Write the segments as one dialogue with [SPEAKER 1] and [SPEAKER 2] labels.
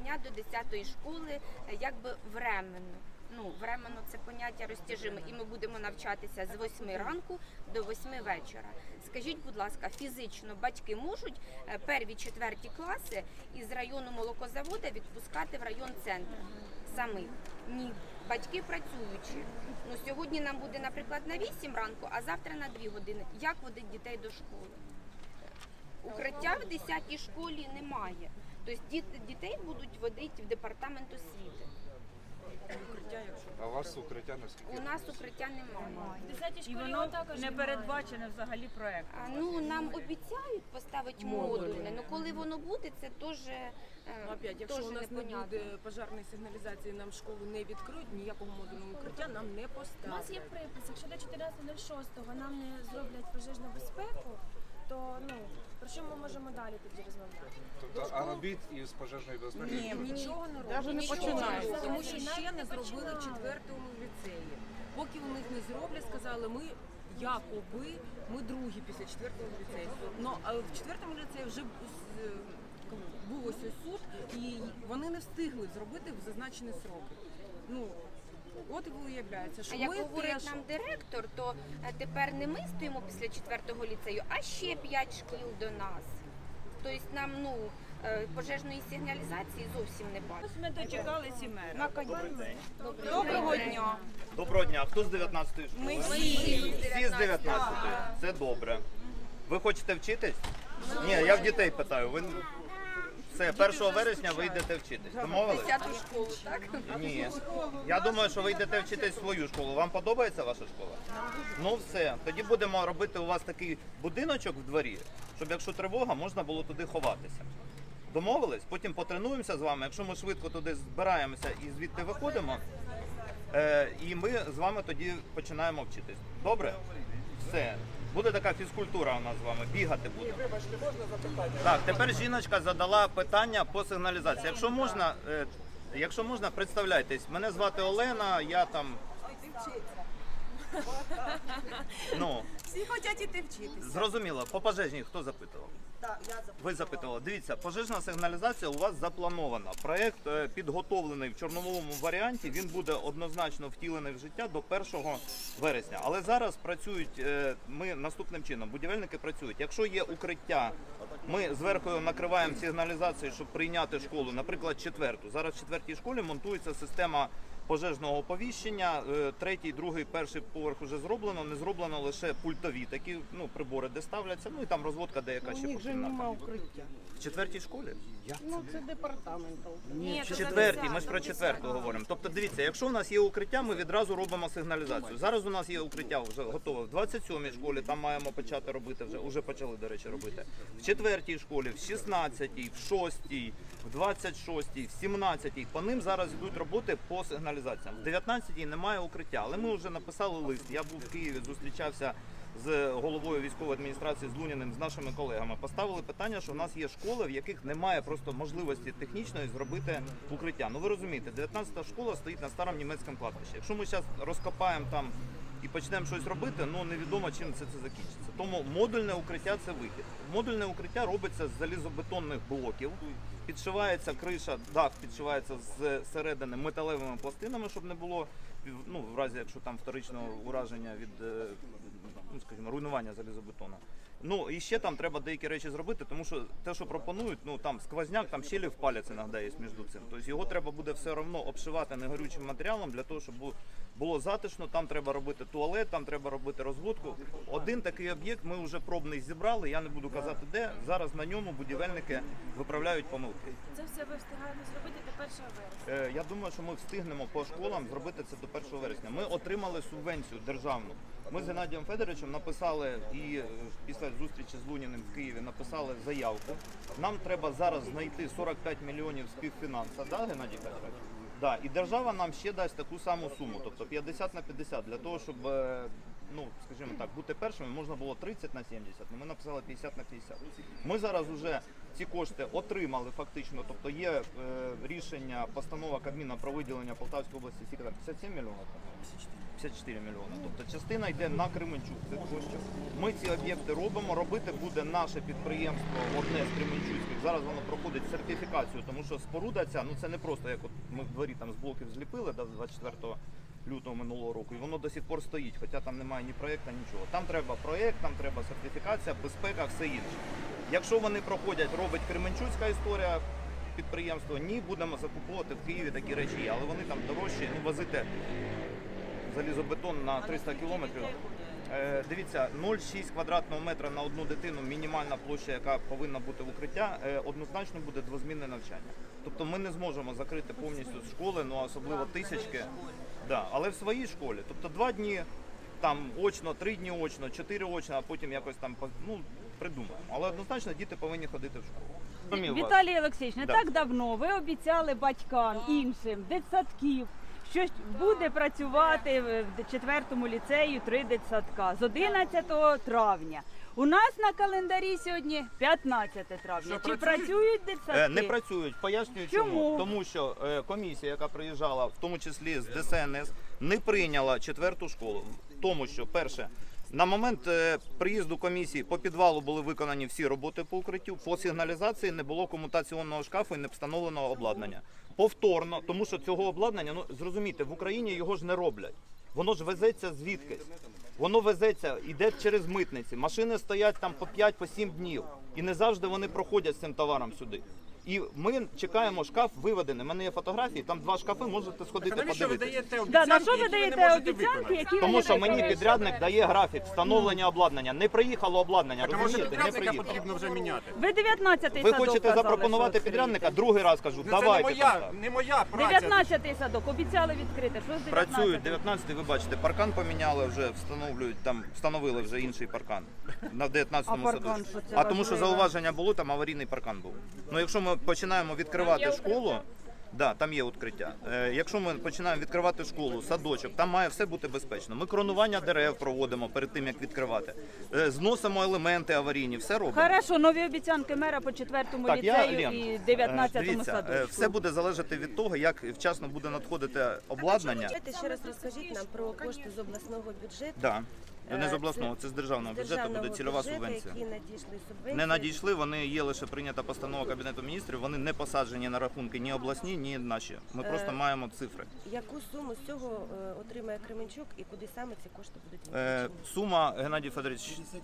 [SPEAKER 1] навчання до 10-ї школи якби временно. Ну, временно це поняття розтяжиме, і ми будемо навчатися з 8 ранку до 8 вечора. Скажіть, будь ласка, фізично батьки можуть перві, четверті класи із району молокозавода відпускати в район центр самих? Ні. Батьки працюючі. Ну, сьогодні нам буде, наприклад, на 8 ранку, а завтра на 2 години. Як водить дітей до школи? Укриття в 10-й школі немає. Тобто дітей будуть водити в департамент освіти.
[SPEAKER 2] А у вас укриття наскільки?
[SPEAKER 1] У нас укриття немає.
[SPEAKER 3] І воно не передбачене взагалі проєктом.
[SPEAKER 1] Ну, нам обіцяють поставити модульне, але коли воно буде, це теж
[SPEAKER 4] Опять, якщо у нас не буде пожежної сигналізації, нам школу не відкриють, ніякого модульного укриття нам не
[SPEAKER 3] У
[SPEAKER 4] поставлять.
[SPEAKER 3] нас є припис, якщо до 14.06 нам не зроблять пожежну безпеку, то про що ми можемо далі тоді розмовляти?
[SPEAKER 2] Тобто, а робіт із пожежної безпеки?
[SPEAKER 4] Ні, нічого не роблять.
[SPEAKER 5] Навіть не починають.
[SPEAKER 4] Тому що ще не зробили в 4-му ліцеї. Поки у них не зроблять, сказали, ми ми другі після 4-го ліцею. А в 4-му ліцеї вже був ось суд, і вони не встигли зробити в зазначені сроки. От і виявляється, що
[SPEAKER 1] А як
[SPEAKER 4] ми
[SPEAKER 1] говорить
[SPEAKER 4] теж...
[SPEAKER 1] нам директор, то тепер не ми стоїмо після 4-го ліцею, а ще 5 шкіл до нас. Тобто нам пожежної сигналізації зовсім не бачить.
[SPEAKER 3] Ми дочекалися і мера.
[SPEAKER 5] Доброго дня.
[SPEAKER 6] Доброго дня. Хто з 19-ї школи?
[SPEAKER 5] Ми всі.
[SPEAKER 6] Всі з 19-ї. Це добре. Ви хочете вчитись? Ні, я в дітей питаю. Ви все, 1 вересня ви йдете вчитись. Домовились?
[SPEAKER 1] 10-ту школу, так?
[SPEAKER 6] Ні. Я думаю, що ви йдете вчитись в свою школу. Вам подобається ваша школа? Ну все. Тоді будемо робити у вас такий будиночок в дворі, щоб якщо тривога, можна було туди ховатися. Домовились? Потім потренуємося з вами. Якщо ми швидко туди збираємося і звідти виходимо, і ми з вами тоді починаємо вчитись. Добре? Все. Буде така фізкультура у нас з вами, бігати будемо.
[SPEAKER 5] Вибачте, можна запитання?
[SPEAKER 6] Так, тепер жіночка задала питання по сигналізації. Якщо можна, представляйтесь. Мене звати Олена, я там...
[SPEAKER 5] Всі хочуть іти вчитися.
[SPEAKER 6] Зрозуміло. По пожежній хто запитував?
[SPEAKER 5] Так, я запитала.
[SPEAKER 6] Ви запитували. Дивіться, пожежна сигналізація у вас запланована. Проєкт підготовлений в чорновому варіанті, він буде однозначно втілений в життя до 1 вересня. Але зараз працюють, ми наступним чином, будівельники працюють. Якщо є укриття, ми зверху накриваємо сигналізацію, щоб прийняти школу, наприклад, 4-ту. Зараз в 4-й школі монтується система пожежного оповіщення, 3-й, 2-й, 1-й поверх вже зроблено, не зроблено лише пультові такі прибори, де ставляться, і там розводка деяка ще по кімнатам.
[SPEAKER 5] укриття.
[SPEAKER 6] В 4-й школі?
[SPEAKER 5] Це департамент.
[SPEAKER 1] Ні,
[SPEAKER 6] В 4-й, ми ж про 4-ту говоримо. Тобто дивіться, якщо у нас є укриття, ми відразу робимо сигналізацію. Зараз у нас є укриття вже готове в 27-й школі, там маємо почати робити, вже почали, до речі, робити. В 4-й школі, в 16-й, в 6-й, в 26-й, в 17-й. По ним зараз йдуть роботи по сигналізаціям. В 19-й немає укриття, але ми вже написали лист. Я був в Києві, зустрічався з головою військової адміністрації з Луніним, з нашими колегами. Поставили питання, що в нас є школи, в яких немає просто можливості технічної зробити укриття. Ви розумієте, 19-та школа стоїть на старому німецькому кладбищі. Якщо ми зараз розкопаємо там і почнемо щось робити, невідомо чим це закінчиться. Тому модульне укриття – це вихід. Модульне укриття робиться з залізобетонних блоків, підшивається криша, дах підшивається з середини металевими пластинами, щоб не було, в разі, якщо там вторичного ураження від, руйнування залізобетону. І ще там треба деякі речі зробити, тому що те, що пропонують, там сквозняк, там щелі в палець іноді є між цим. Тобто його треба буде все одно обшивати негорючим матеріалом для того, щоб було затишно, там треба робити туалет, там треба робити розводку. Один такий об'єкт ми вже пробний зібрали, я не буду казати де, зараз на ньому будівельники виправляють помилки.
[SPEAKER 3] Це все ви встигаємо зробити до 1 вересня?
[SPEAKER 6] Я думаю, що ми встигнемо по школам зробити це до 1 вересня. Ми отримали субвенцію державну. Ми з Геннадієм Федоровичем написали і після зустрічі з Луніним в Києві написали заявку. Нам треба зараз знайти 45 мільйонів співфінансу, да, Геннадій Федорович? Да. І держава нам ще дасть таку саму суму, тобто 50 на 50, для того, щоб, скажімо так, бути першими, можна було 30 на 70, але ми написали 50 на 50. Ми зараз вже ці кошти отримали фактично, тобто є рішення, постанова Кабміна про виділення Полтавської області, 57 мільйонів? 54 мільйони. Тобто частина йде на Кременчук цих коштів. Ми ці об'єкти робимо, робити буде наше підприємство, одне з кременчуцьких, Зараз воно проходить сертифікацію, тому що споруда ця, ну це не просто як от ми в дворі там з блоків зліпили да, 24 лютого минулого року, і воно до сих пор стоїть, хоча там немає ні проєкту, нічого. Там треба проєкт, там треба сертифікація, безпека, все інше. Якщо вони проходять, робить Кременчуцька історія, підприємство, ні, будемо закуповувати в Києві такі речі є, але вони там дорожчі, ну возити залізобетон на 300 кілометрів. Дивіться, 0,6 квадратного метра на одну дитину, мінімальна площа, яка повинна бути в укриття, однозначно буде двозмінне навчання. Тобто ми не зможемо закрити повністю школи, ну особливо тисячки, да, але в своїй школі. Тобто 2 дні там очно, 3 дні очно, 4 очно, а потім якось там ну, придумаємо. Але однозначно діти повинні ходити в школу.
[SPEAKER 7] Віталій Олексійович, не
[SPEAKER 6] Да.
[SPEAKER 7] так давно ви обіцяли батькам іншим дитсадків, що буде працювати в 4-му ліцеї 3 дитсадка з 11 травня. У нас на календарі сьогодні 15 травня. Чи працюють дитсадки?
[SPEAKER 6] Не працюють. Пояснюю чому. Тому що комісія, яка приїжджала, в тому числі з ДСНС, не прийняла 4-ту школу. Тому що, перше, на момент приїзду комісії по підвалу були виконані всі роботи по укриттю, по сигналізації не було комутаційного шкафу і не встановленого обладнання. Повторно, тому що цього обладнання, ну зрозумійте, в Україні його ж не роблять. Воно ж везеться звідкись. Воно везеться, йде через митниці. Машини стоять там по 5-7 днів. І не завжди вони проходять з цим товаром сюди. І ми чекаємо, шкаф виведений. У мене є фотографії, там 2 шкафи, можете сходити подивитися.
[SPEAKER 7] На що ви даєте обіцянки, які ви
[SPEAKER 6] Тому
[SPEAKER 7] не
[SPEAKER 6] що мені
[SPEAKER 7] виконуєте?
[SPEAKER 6] підрядник дає графік встановлення обладнання. Не приїхало обладнання, розумієте? Не приїхало.
[SPEAKER 5] потрібно вже міняти.
[SPEAKER 7] Ви 19-й
[SPEAKER 6] Ви
[SPEAKER 7] садок
[SPEAKER 6] хочете
[SPEAKER 7] казали,
[SPEAKER 6] запропонувати
[SPEAKER 7] що
[SPEAKER 6] підрядника?
[SPEAKER 7] відкриєте.
[SPEAKER 6] Другий раз кажу,
[SPEAKER 5] Це
[SPEAKER 6] давайте.
[SPEAKER 5] не моя праця.
[SPEAKER 7] 19-й садок обіцяли відкрити. Що з 19-м?
[SPEAKER 6] Працюють 19-й, ви бачите, паркан поміняли вже, встановили вже інший паркан на 19-му
[SPEAKER 7] А паркан,
[SPEAKER 6] садочку.
[SPEAKER 7] що це
[SPEAKER 6] А тому що
[SPEAKER 7] важливо?
[SPEAKER 6] зауваження було, там аварійний паркан був. Ну якщо ми починаємо відкривати школу, да, там є укриття. Якщо ми починаємо відкривати школу, садочок, там має все бути безпечно. Ми кронування дерев проводимо перед тим, як відкривати. Зносимо елементи аварійні, все робимо.
[SPEAKER 7] Хорошо, нові обіцянки мера по 4-му
[SPEAKER 6] Так,
[SPEAKER 7] ліцею
[SPEAKER 6] Лен,
[SPEAKER 7] і 19-му
[SPEAKER 6] дивіться,
[SPEAKER 7] садочку.
[SPEAKER 6] все буде залежати від того, як вчасно буде надходити обладнання.
[SPEAKER 8] Давайте ще раз розкажіть нам про кошти з обласного бюджету.
[SPEAKER 6] Да. Не з
[SPEAKER 8] Це
[SPEAKER 6] обласного, це з державного бюджету
[SPEAKER 8] державного
[SPEAKER 6] буде цільова
[SPEAKER 8] бюджету,
[SPEAKER 6] субвенція.
[SPEAKER 8] Які надійшли субвенції.
[SPEAKER 6] Не надійшли, вони є лише прийнята постанова Кабінету міністрів, вони не посаджені на рахунки ні обласні, ні наші. Ми просто маємо цифри.
[SPEAKER 8] Яку суму з цього отримає Кременчук і куди саме ці кошти будуть витрачені?
[SPEAKER 6] Сума, Геннадій Федорович,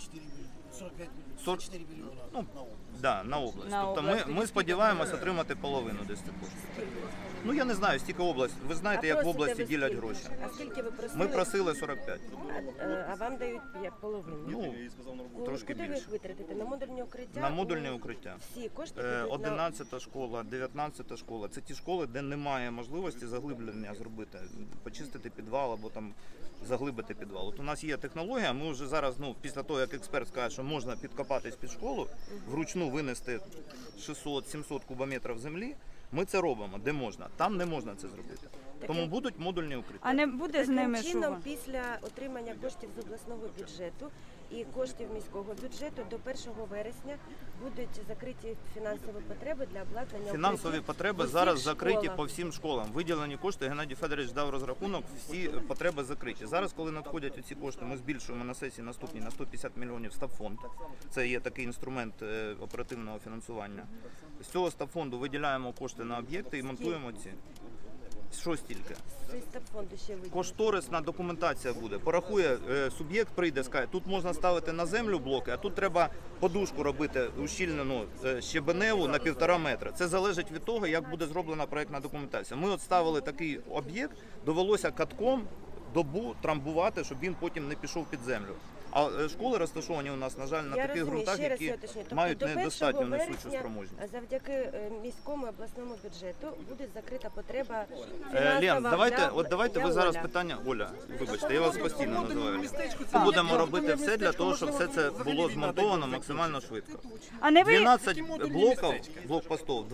[SPEAKER 5] 44 мільйона.
[SPEAKER 6] ну, да, на область.
[SPEAKER 7] На
[SPEAKER 6] Тобто
[SPEAKER 7] область.
[SPEAKER 6] ми сподіваємося отримати половину десь цих коштів. Ну я не знаю, стільки область. Ви знаєте, як в
[SPEAKER 8] просите
[SPEAKER 6] області
[SPEAKER 8] ви
[SPEAKER 6] ділять
[SPEAKER 8] скільки?
[SPEAKER 6] гроші.
[SPEAKER 8] А скільки ви просили?
[SPEAKER 6] Ми просили 45.
[SPEAKER 8] А вам дають половину.
[SPEAKER 6] Ну, трошки
[SPEAKER 8] Куди ви
[SPEAKER 6] більше.
[SPEAKER 8] їх витратите? На модульні укриття?
[SPEAKER 6] На модульне укриття.
[SPEAKER 8] Всі кошти підуть
[SPEAKER 6] 11 школа, 19 школа. Це ті школи, де немає можливості заглиблення зробити, почистити підвал або там заглибити підвал. От у нас є технологія, ми вже зараз, ну, після того, як експерт скаже, що можна підкопатись під школу, вручну винести 600-700 кубометрів землі, ми це робимо, де можна. Там не можна це зробити. Тому будуть модульні укриття.
[SPEAKER 7] А не буде з ними
[SPEAKER 8] Таким чином,
[SPEAKER 7] що?
[SPEAKER 8] після отримання коштів з обласного бюджету і коштів міського бюджету до 1 вересня будуть закриті фінансові потреби для обладнання
[SPEAKER 6] Фінансові
[SPEAKER 8] укриттів
[SPEAKER 6] потреби
[SPEAKER 8] в усіх
[SPEAKER 6] зараз закриті
[SPEAKER 8] школах.
[SPEAKER 6] по всім школам. Виділені кошти, Геннадій Федорович дав розрахунок, всі потреби закриті. Зараз, коли надходять ці кошти, ми збільшуємо на сесії наступній на 150 мільйонів стабфонд. Це є такий інструмент оперативного фінансування. З цього стабфонду виділяємо кошти на об'єкти і монтуємо ці. Що стільки?
[SPEAKER 8] З стабфонду ще виділено.
[SPEAKER 6] Кошторисна документація буде. Порахує, суб'єкт прийде, скаже, тут можна ставити на землю блоки, а тут треба подушку робити ущільнену щебеневу на 1,5 метра. Це залежить від того, як буде зроблена проєктна документація. Ми от ставили такий об'єкт, довелося катком добу трамбувати, щоб він потім не пішов під землю. А школи розташовані у нас, на жаль, на
[SPEAKER 8] Я
[SPEAKER 6] таких
[SPEAKER 8] розумію,
[SPEAKER 6] ґрунтах,
[SPEAKER 8] ще раз
[SPEAKER 6] які
[SPEAKER 8] я уточню. Тобто
[SPEAKER 6] мають
[SPEAKER 8] до 1
[SPEAKER 6] недостатню несучу
[SPEAKER 8] вересня
[SPEAKER 6] спроможність.
[SPEAKER 8] Завдяки міському обласному бюджету буде закрита потреба
[SPEAKER 6] Лен,
[SPEAKER 8] фінансова
[SPEAKER 6] давайте
[SPEAKER 8] для
[SPEAKER 6] ви зараз
[SPEAKER 8] Оля.
[SPEAKER 6] питання. Оля, вибачте, я вас постійно називаю. Ми будемо робити все для того, щоб все це було змонтовано максимально швидко.
[SPEAKER 7] А не ви
[SPEAKER 6] 12 блокпостів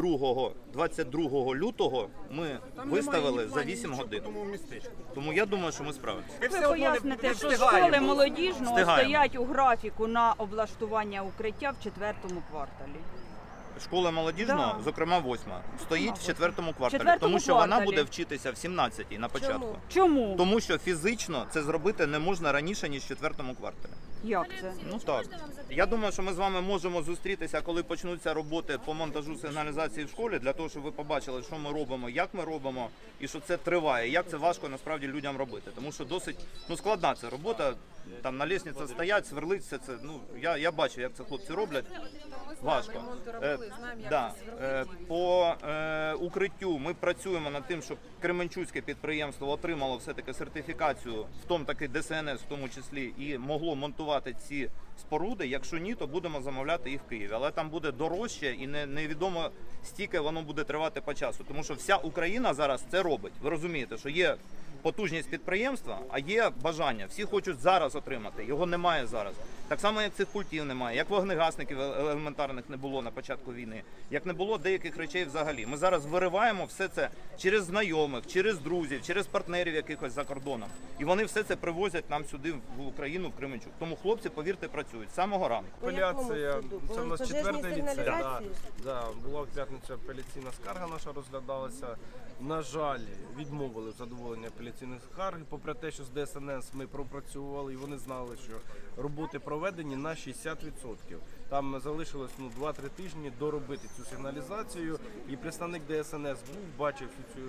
[SPEAKER 6] 22 лютого ми виставили за 8 годин. Тому я думаю, що ми справимося.
[SPEAKER 7] ви поясните, що школи молодіжного
[SPEAKER 6] Встигаємо.
[SPEAKER 7] стоять у графіку на облаштування укриття в 4-му кварталі.
[SPEAKER 6] Школа молодіжного,
[SPEAKER 7] Да.
[SPEAKER 6] зокрема 8, стоїть в 4-му кварталі,
[SPEAKER 7] Четвертому
[SPEAKER 6] тому що вона
[SPEAKER 7] кварталі.
[SPEAKER 6] буде вчитися в 17-й на початку.
[SPEAKER 8] Чому?
[SPEAKER 7] Чому?
[SPEAKER 6] Тому що фізично це зробити не можна раніше, ніж в 4-му кварталі.
[SPEAKER 7] Як це?
[SPEAKER 6] Ну так. Я думаю, що ми з вами можемо зустрітися, коли почнуться роботи по монтажу сигналізації в школі, для того, щоб ви побачили, що ми робимо, як ми робимо, і що це триває, як це важко насправді людям робити. Тому що досить складна ця робота. Там на лестниці стоять, сверлить все це. Ну я бачу, як це хлопці роблять. Важко.
[SPEAKER 4] Ремонти робили, знаємо, як
[SPEAKER 6] Да.
[SPEAKER 4] це сверлити.
[SPEAKER 6] По укриттю ми працюємо над тим, щоб Кременчуцьке підприємство отримало все-таки сертифікацію, в тому таки ДСНС, в тому числі, і могло монтувати ці споруди. Якщо ні, то будемо замовляти їх в Києві. Але там буде дорожче і невідомо стільки воно буде тривати по часу. Тому що вся Україна зараз це робить. Ви розумієте, що є потужність підприємства, а є бажання. Всі хочуть зараз отримати. Його немає зараз. Так само, як цих пультів немає, як вогнегасників елементарних не було на початку війни, як не було деяких речей взагалі. Ми зараз вириваємо все це через знайомих, через друзів, через партнерів якихось за кордоном. І вони все це привозять нам сюди, в Україну, в Кременчук. Тому хлопці, повірте, працюють з самого ранку.
[SPEAKER 8] По якому
[SPEAKER 5] Апеляція,
[SPEAKER 8] суду?
[SPEAKER 5] це в нас
[SPEAKER 8] Пожежній
[SPEAKER 5] 4-й ліцей.
[SPEAKER 8] сигналізації?
[SPEAKER 5] Да, була в п'ятницю апеляційна скарга наша розглядалася. На жаль, відмовили в задоволенні апеляційних скарг, попри те, що з ДСНС ми пропрацювали і вони знали, що роботи проведені на 60%. Там залишилось 2-3 тижні доробити цю сигналізацію, і представник ДСНС був, бачив цю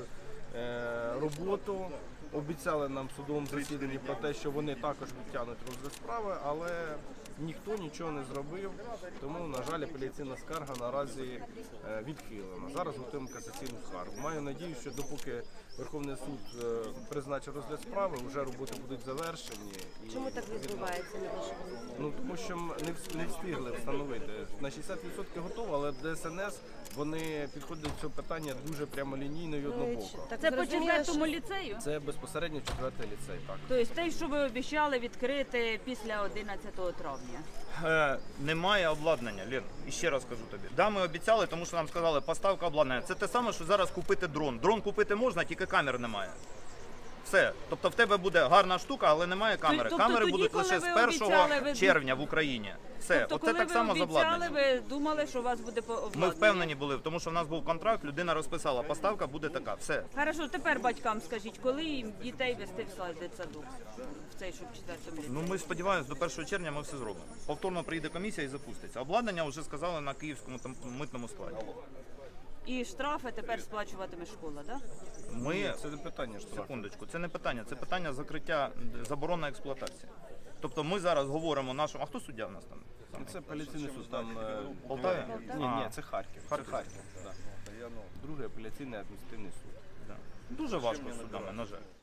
[SPEAKER 5] роботу. Обіцяли нам в судовому засіданні про те, що вони також відтягнуть розгляд справи, але ніхто нічого не зробив, тому, на жаль, апеляційна скарга наразі відхилена. Зараз готуємо касаційну скаргу. Маю надію, що допоки Верховний суд призначить розгляд справи, вже роботи будуть завершені. І
[SPEAKER 8] Чому так відбувається, на вашу думку?
[SPEAKER 5] тому що не встигли встановити. На 60% готово, але ДСНС, вони підходять до цього питання дуже прямолінійно і однобоко.
[SPEAKER 8] Так
[SPEAKER 7] Це по
[SPEAKER 8] зрозуміло,
[SPEAKER 7] 4-му ліцею?
[SPEAKER 5] Це безпосередньо 4-й ліцей, так.
[SPEAKER 7] Тобто те, що ви обіцяли відкрити після 11 травня?
[SPEAKER 6] Немає обладнання, Лен, і ще раз кажу тобі. Да, ми обіцяли, тому що нам сказали, поставка обладнання. Це те саме, що зараз купити дрон. Дрон купити можна, тільки камер немає. Все. Тобто в тебе буде гарна штука, але немає камери.
[SPEAKER 7] Тобто
[SPEAKER 6] Камери
[SPEAKER 7] тоді,
[SPEAKER 6] будуть
[SPEAKER 7] коли
[SPEAKER 6] лише
[SPEAKER 7] ви
[SPEAKER 6] з 1
[SPEAKER 7] обіцяли, ви-
[SPEAKER 6] червня в Україні. Все.
[SPEAKER 7] Тобто,
[SPEAKER 6] Оце
[SPEAKER 7] коли
[SPEAKER 6] так
[SPEAKER 7] ви
[SPEAKER 6] само з
[SPEAKER 7] обіцяли,
[SPEAKER 6] обладнанням.
[SPEAKER 7] ви думали, що у вас буде обладнання?
[SPEAKER 6] Ми впевнені були, тому що в нас був контракт, людина розписала, поставка буде така. Все.
[SPEAKER 7] Хорошо, тепер батькам скажіть, коли їм дітей вести в дитсадок? В цей, щоб в 4-му ліцеї?
[SPEAKER 6] Ну ми сподіваємось, до 1 червня ми все зробимо. Повторно приїде комісія і запуститься. Обладнання вже сказали на київському митному складі.
[SPEAKER 7] І штрафи тепер сплачуватиме школа, так?
[SPEAKER 6] Ми
[SPEAKER 5] Це не питання штрафу.
[SPEAKER 6] секундочку, це не питання, це питання закриття заборона експлуатації. Тобто ми зараз говоримо нашому. А хто суддя в нас там?
[SPEAKER 5] Це апеляційний суд, там
[SPEAKER 6] Полтаві?
[SPEAKER 5] Ні, це Харків.
[SPEAKER 6] Харків.
[SPEAKER 5] Це Харків. Да. Другий апеляційний адміністративний суд.
[SPEAKER 6] Да. Дуже важко з судами, на жаль.